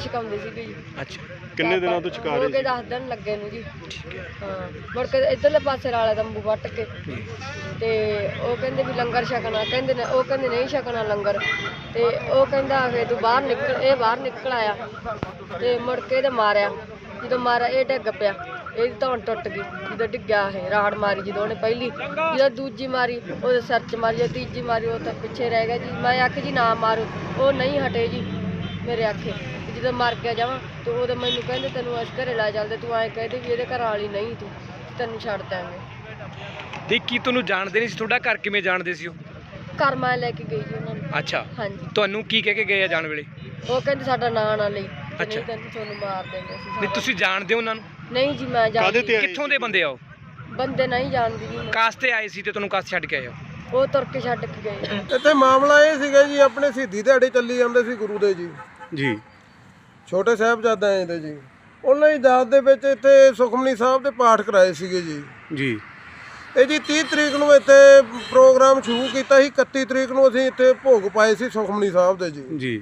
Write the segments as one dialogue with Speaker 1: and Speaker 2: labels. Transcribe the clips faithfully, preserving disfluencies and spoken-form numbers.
Speaker 1: ਛਕਾਉਂਦੇ ਸੀਗੇ ਜੀ।
Speaker 2: ਅੱਛਾ, ਕਿੰਨੇ ਦਿਨਾਂ ਤੋਂ ਛਕਾ ਰਹੇ
Speaker 1: ਸੀ? ਦਸ ਦਿਨ ਲੱਗੇ ਨੂੰ ਜੀ। ਹਾਂ, ਮੁੜ ਕੇ ਇੱਧਰਲੇ ਪਾਸੇ ਵਾਲੇ ਤੰਬੂ ਵੱਟ ਕੇ ਤੇ ਉਹ ਕਹਿੰਦੇ ਵੀ ਲੰਗਰ ਛਕਣਾ, ਕਹਿੰਦੇ ਨੇ ਉਹ ਕਹਿੰਦੇ ਨਹੀਂ ਛਕਣਾ ਲੰਗਰ, ਤੇ ਉਹ ਕਹਿੰਦਾ ਫੇ ਤੂੰ ਬਾਹਰ ਨਿਕਲ, ਇਹ ਬਾਹਰ ਨਿਕਲ ਆਇਆ ਤੇ ਮੁੜ ਕੇ ਇਹਦੇ ਮਾਰਿਆ, ਜਦੋਂ ਮਾਰਿਆ ਇਹ ਡਿੱਗ ਪਿਆ, ਇਹਦੀ ਧੌਣ ਟੁੱਟ ਗਈ ਜਦੋਂ ਡਿੱਗਿਆ, ਇਹ ਰਾੜ ਮਾਰੀ ਜਦੋਂ ਉਹਨੇ ਪਹਿਲੀ, ਜਦੋਂ ਦੂਜੀ ਮਾਰੀ ਉਹਦੇ ਸਿਰ 'ਚ ਮਾਰੀ, ਜਦੋਂ ਤੀਜੀ ਮਾਰੀ ਉਹ ਤਾਂ ਪਿੱਛੇ ਰਹਿ ਗਿਆ ਜੀ। ਮੈਂ ਆਖਿਆ ਜੀ ਨਾ ਮਾਰੋ, ਉਹ ਨਹੀਂ ਹਟੇ ਜੀ ਮੇਰੇ ਆਖੇ, ਜਦੋਂ ਮਰ ਗਿਆ ਜਾਵਾਂ ਤੇ ਉਹਦੇ ਮੈਨੂੰ ਕਹਿੰਦੇ ਤੈਨੂੰ ਅਸੀਂ ਘਰੇ ਲੈ ਚੱਲਦੇ, ਤੂੰ ਐਂ ਕਹਿੰਦੇ ਵੀ ਇਹਦੇ ਘਰ ਵਾਲੀ ਨਹੀਂ, ਤੂੰ ਤੈਨੂੰ ਛੱਡ ਦਾਂਗੇ।
Speaker 2: ਤੇ ਕੀ ਤੁਹਾਨੂੰ ਜਾਣਦੇ ਨਹੀਂ ਸੀ? ਤੁਹਾਡਾ ਘਰ ਕਿਵੇਂ ਜਾਣਦੇ ਸੀ ਉਹ?
Speaker 1: ਘਰ ਮੈਂ ਲੈ ਕੇ ਗਈ ਜੀ ਉਹਨਾਂ ਨੂੰ।
Speaker 2: ਅੱਛਾ,
Speaker 1: ਹਾਂਜੀ।
Speaker 2: ਤੁਹਾਨੂੰ ਕੀ ਕਹਿ ਕੇ ਗਏ ਆ ਜਾਣ ਵੇਲੇ?
Speaker 1: ਉਹ ਕਹਿੰਦੇ ਸਾਡਾ ਨਾਂ ਨਾ ਲਈ,
Speaker 2: ਅੱਛਾ,
Speaker 1: ਨਹੀਂ ਤੈਨੂੰ ਤੁਹਾਨੂੰ ਮਾਰ ਦੇਂਗੇ ਅਸੀਂ।
Speaker 2: ਨਹੀਂ ਤੁਸੀਂ ਜਾਣਦੇ ਹੋ ਉਹਨਾਂ ਨੂੰ?
Speaker 1: ਨਹੀਂ ਜੀ ਮੈਂ ਜਾਣਦੀ।
Speaker 2: ਕਿੱਥੋਂ ਦੇ ਬੰਦੇ ਆ ਉਹ?
Speaker 1: ਬੰਦੇ ਨਹੀਂ ਜਾਣਦੀ ਜੀ।
Speaker 2: ਕਾਸ ਤੇ ਆਏ ਸੀ ਤੇ ਤੁਹਾਨੂੰ ਕਾਸ ਛੱਡ ਕੇ ਆਏ ਹੋ?
Speaker 1: ਉਹ ਤੁਰ ਕੇ ਛੱਡ ਕੇ ਗਏ।
Speaker 3: ਇੱਥੇ ਮਾਮਲਾ ਇਹ ਸੀਗਾ ਜੀ, ਆਪਣੇ ਸ਼ਹੀਦੀ ਦਿਹਾੜੇ ਚੱਲੀ ਜਾਂਦੇ ਸੀ ਗੁਰੂ ਦੇ ਜੀ
Speaker 2: ਜੀ,
Speaker 3: ਛੋਟੇ ਸਾਹਿਬਜ਼ਾਦੇ ਦੇ ਜੀ। ਉਹਨਾਂ ਦੀ ਯਾਦ ਦੇ ਵਿੱਚ ਇੱਥੇ ਸੁਖਮਨੀ ਸਾਹਿਬ ਦੇ ਪਾਠ ਕਰਾਏ ਸੀਗੇ ਜੀ।
Speaker 2: ਜੀ,
Speaker 3: ਇਹ ਜੀ ਤੀਹ ਤਰੀਕ ਨੂੰ ਇੱਥੇ ਪ੍ਰੋਗਰਾਮ ਸ਼ੁਰੂ ਕੀਤਾ ਸੀ, ਇਕੱਤੀ ਤਰੀਕ ਨੂੰ ਅਸੀਂ ਇੱਥੇ ਭੋਗ ਪਾਏ ਸੀ ਸੁਖਮਨੀ ਸਾਹਿਬ ਦੇ ਜੀ।
Speaker 2: ਜੀ,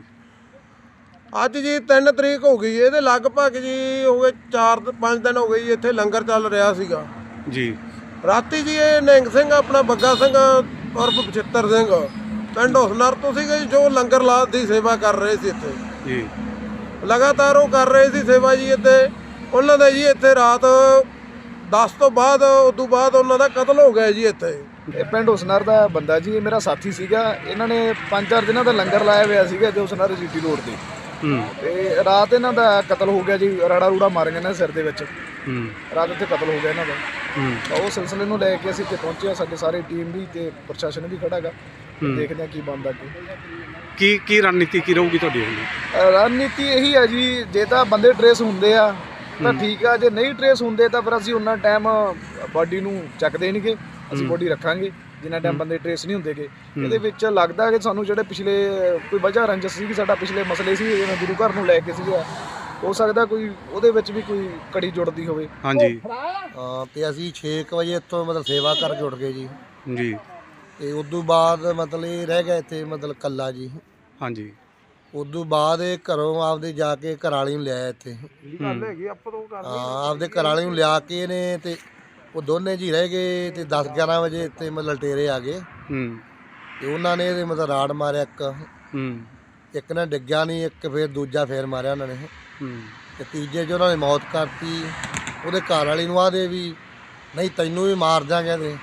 Speaker 3: ਅੱਜ ਜੀ ਤਿੰਨ ਤਰੀਕ ਹੋ ਗਈ, ਇਹਦੇ ਲਗਭਗ ਜੀ ਹੋ ਗਏ ਚਾਰ ਪੰਜ ਦਿਨ ਹੋ ਗਏ ਜੀ ਇੱਥੇ ਲੰਗਰ ਚੱਲ ਰਿਹਾ ਸੀਗਾ
Speaker 2: ਜੀ।
Speaker 3: ਰਾਤੀ ਜੀ ਇਹ ਨਿਹੰਗ ਸਿੰਘ ਆਪਣਾ ਬੱਗਾ ਸਿੰਘ ਉਰਫ ਬਚਿੱਤਰ ਸਿੰਘ ਪਿੰਡ ਹੁਸਨਰ ਤੋਂ ਸੀਗੇ ਜੀ, ਜੋ ਲੰਗਰ ਲਾਤ ਦੀ ਸੇਵਾ ਕਰ ਰਹੇ ਸੀ ਇੱਥੇ
Speaker 2: ਜੀ।
Speaker 3: ਲਗਾਤਾਰ ਉਹ ਕਰ ਰਹੇ ਸੀ ਸੇਵਾ ਜੀ ਇੱਥੇ। ਉਹਨਾਂ ਦਾ ਜੀ ਇੱਥੇ ਰਾਤ ਦਸ ਤੋਂ ਬਾਅਦ ਉਦੋਂ ਬਾਅਦ ਉਹਨਾਂ ਦਾ ਕਤਲ ਹੋ ਗਿਆ ਜੀ ਇੱਥੇ।
Speaker 4: ਇਹ ਪਿੰਡ ਹੁਸਨਰ ਦਾ ਬੰਦਾ ਜੀ, ਇਹ ਮੇਰਾ ਸਾਥੀ ਸੀਗਾ। ਇਹਨਾਂ ਨੇ ਪੰਜ ਚਾਰ ਦਿਨਾਂ ਦਾ ਲੰਗਰ ਲਾਇਆ ਹੋਇਆ ਸੀਗਾ ਜੋ ਹੁਸਨਰ ਜੀਟੀ ਰੋਡ ਤੇ, ਤੇ ਰਾਤ ਇਹਨਾਂ ਦਾ ਕਤਲ ਹੋ ਗਿਆ ਜੀ। ਰਾੜਾ ਰੂੜਾ ਮਾਰ ਗਏ ਨਾ ਸਿਰ ਦੇ ਵਿੱਚ, ਰਾਤ ਇੱਥੇ ਕਤਲ ਹੋ ਗਿਆ ਇਹਨਾਂ ਦਾ। ਤਾਂ ਉਹ ਸਿਲਸਿਲੇ ਨੂੰ ਲੈ ਕੇ ਅਸੀਂ ਇੱਥੇ ਪਹੁੰਚੇ ਹਾਂ, ਸਾਡੇ ਸਾਰੇ ਟੀਮ ਵੀ ਤੇ ਪ੍ਰਸ਼ਾਸਨ ਵੀ ਖੜਾ ਹੈਗਾ। ਦੇਖਦੇ ਹਾਂ ਕੀ ਬਣਦਾ ਅੱਗੇ।
Speaker 2: ਕੀ ਕੀ ਰਣਨੀਤੀ ਕੀ ਰਹੂਗੀ ਤੁਹਾਡੀ?
Speaker 4: ਰਣਨੀਤੀ ਇਹੀ ਹੈ ਜੀ, ਜੇ ਤਾਂ ਬੰਦੇ ਟਰੇਸ ਹੁੰਦੇ ਆ ਤਾਂ ਠੀਕ ਆ, ਜੇ ਨਹੀਂ ਟਰੇਸ ਹੁੰਦੇ ਤਾਂ ਫਿਰ ਅਸੀਂ ਉਹਨਾਂ ਟਾਈਮ ਬਾਡੀ ਨੂੰ ਚੱਕਦੇ ਨਹੀਂਗੇ, ਅਸੀਂ ਬਾਡੀ ਰੱਖਾਂਗੇ ਜਿੰਨਾ ਟਾਈਮ ਬੰਦੇ ਟਰੇਸ ਨਹੀਂ ਹੁੰਦੇਗੇ। ਇਹਦੇ ਵਿੱਚ ਲੱਗਦਾ ਕਿ ਸਾਨੂੰ ਜਿਹੜੇ ਪਿਛਲੇ ਕੋਈ ਵਜ੍ਹਾ ਰੰਜਸ ਸੀ, ਸਾਡਾ ਪਿਛਲੇ ਮਸਲੇ ਸੀ ਜਿਵੇਂ ਗੁਰੂ ਘਰ ਨੂੰ ਲੈ ਕੇ ਸੀਗਾ, ਹੋ ਸਕਦਾ ਕੋਈ ਉਹਦੇ ਵਿੱਚ ਵੀ ਕੋਈ ਕੜੀ ਜੁੜਦੀ ਹੋਵੇ।
Speaker 2: ਹਾਂਜੀ,
Speaker 5: ਹਾਂ। ਤੇ ਅਸੀਂ ਛੇ ਕੁ ਵਜੇ ਇੱਥੋਂ ਮਤਲਬ ਸੇਵਾ ਕਰਕੇ ਉੱਠ ਗਏ ਜੀ।
Speaker 2: ਜੀ।
Speaker 5: ਤੇ ਉਦੋਂ ਬਾਅਦ ਮਤਲਬ ਇਹ ਰਹਿ ਗਿਆ ਇੱਥੇ ਮਤਲਬ ਕੱਲਾ ਜੀ।
Speaker 2: ਹਾਂਜੀ।
Speaker 5: ਉਦੋਂ ਬਾਅਦ ਇਹ ਘਰੋਂ ਆਪਦੇ ਜਾ ਕੇ ਘਰ ਵਾਲੀ ਨੂੰ ਲਿਆਇਆ ਇੱਥੇ। ਹਾਂ, ਆਪਦੇ ਘਰ ਵਾਲੀ ਨੂੰ ਲਿਆ ਕੇ ਇਹਨੇ ਤੇ ਉਹ ਦੋਨੇ ਜੀ ਰਹਿ ਗਏ ਤੇ ਦਸ ਗਿਆਰਾਂ ਵਜੇ ਇੱਥੇ ਮਤਲਬ ਲਟੇਰੇ ਆ ਗਏ ਤੇ ਉਹਨਾਂ ਨੇ ਇਹਦੇ ਮਤਲਬ ਰਾੜ ਮਾਰਿਆ, ਇੱਕ ਇੱਕ ਨੇ ਡਿੱਗਿਆ ਨਹੀਂ, ਇੱਕ ਫਿਰ ਦੂਜਾ ਫੇਰ ਮਾਰਿਆ ਉਹਨਾਂ ਨੇ ਤੇ ਤੀਜੇ 'ਚ ਉਹਨਾਂ ਨੇ ਮੌਤ ਕਰਤੀ। ਉਹਦੇ ਘਰ ਵਾਲੀ ਨੂੰ ਆਦੇ ਵੀ ਨਹੀਂ ਤੈਨੂੰ ਵੀ ਮਾਰ ਦਿਆਂਗੇ ਤੇ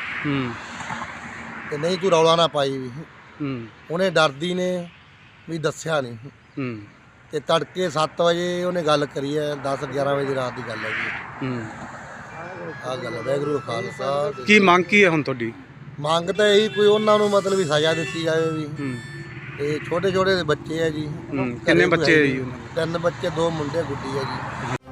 Speaker 5: ਤੇ ਨਹੀਂ ਤੂੰ ਰੌਲਾ ਨਾ ਪਾਈ ਵੀ। ਉਹਨੇ ਡਰਦੀ ਨੇ ਵੀ ਦੱਸਿਆ ਨਹੀਂ ਤੇ ਤੜਕੇ ਸੱਤ ਵਜੇ ਉਹਨੇ ਗੱਲ ਕਰੀ ਹੈ, ਦਸ ਗਿਆਰਾਂ ਵਜੇ ਰਾਤ ਦੀ ਗੱਲ ਹੈ ਜੀ। ਆਹ ਗੱਲ ਹੈ। ਵਾਹਿਗੁਰੂ ਖਾਲਸਾ।
Speaker 2: ਕੀ ਮੰਗ ਕੀ ਹੈ ਹੁਣ ਤੁਹਾਡੀ?
Speaker 5: ਮੰਗ ਤਾਂ ਇਹੀ ਕੋਈ ਉਹਨਾਂ ਨੂੰ ਮਤਲਬ ਵੀ ਸਜ਼ਾ ਦਿੱਤੀ ਜਾਵੇ ਵੀ। ਤੇ ਛੋਟੇ ਛੋਟੇ ਬੱਚੇ ਆ ਜੀ।
Speaker 2: ਕਿੰਨੇ ਬੱਚੇ ਆ ਜੀ?
Speaker 5: ਤਿੰਨ ਬੱਚੇ, ਦੋ ਮੁੰਡੇ ਗੁੱਡੀ ਆ ਜੀ।